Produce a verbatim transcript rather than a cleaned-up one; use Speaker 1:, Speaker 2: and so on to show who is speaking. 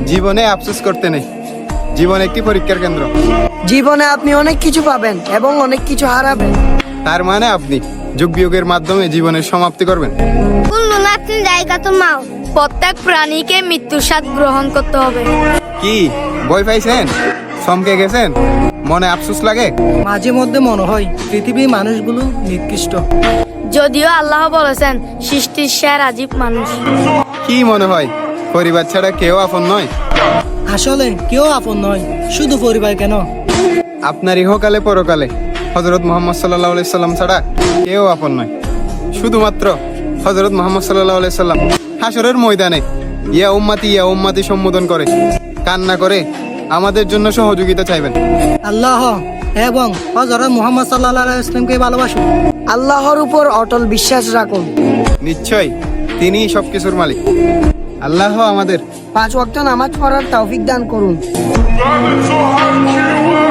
Speaker 1: জীবনে আফসোস করতে নেই, জীবন একটি পরীক্ষার কেন্দ্র।
Speaker 2: জীবনে আপনি অনেক কিছু পাবেন এবং অনেক কিছু হারাবেন।
Speaker 1: তার মানে আপনি যোগ বিয়োগের মাধ্যমে জীবনের সমাপ্তি করবেন।
Speaker 3: কুল্লু নাফসিন যায়কাতুল মাউত। প্রত্যেক প্রাণীকে মৃত্যুর স্বাদ গ্রহণ করতে হবে।
Speaker 1: কি ভয় পাইছেন? চমকে গেছেন? মনে আফসোস লাগে?
Speaker 4: মাঝে মধ্যে মনে হয় পৃথিবীর মানুষগুলো নিকৃষ্ট।
Speaker 3: যদিও আল্লাহ বলেছেন সৃষ্টির সেরা জীব মানুষ।
Speaker 1: কি মনে হয় পরিবার ছাড়া কেউ আপন নয়?
Speaker 4: আসলে কেউ আপন নয়, শুধু পরিবার কেন,
Speaker 1: আপনার ইহকালে পরকালে হযরত মুহাম্মদ সাল্লাল্লাহু আলাইহি সাল্লাম ছাড়া কেউ আপন নয়। শুধুমাত্র হযরত মুহাম্মদ সাল্লাল্লাহু আলাইহি সাল্লাম হাশরের ময়দানে ইয়া উম্মতি ইয়া উম্মতি সম্বোধন করে কান্না করে আমাদের জন্য সহযোগিতা চাইবেন।
Speaker 4: আল্লাহ এবং হযরত মুহাম্মদ সাল্লাল্লাহু আলাইহি ওয়াসাল্লামকে ভালোবাসুন।
Speaker 2: আল্লাহর উপর অটল বিশ্বাস রাখুন।
Speaker 1: নিশ্চয় তিনিই সবকিছুর মালিক। আল্লাহ আমাদের
Speaker 2: পাঁচ ওয়াক্ত নামাজ পড়ার তৌফিক দান করুন।
Speaker 5: Diamonds will hunt you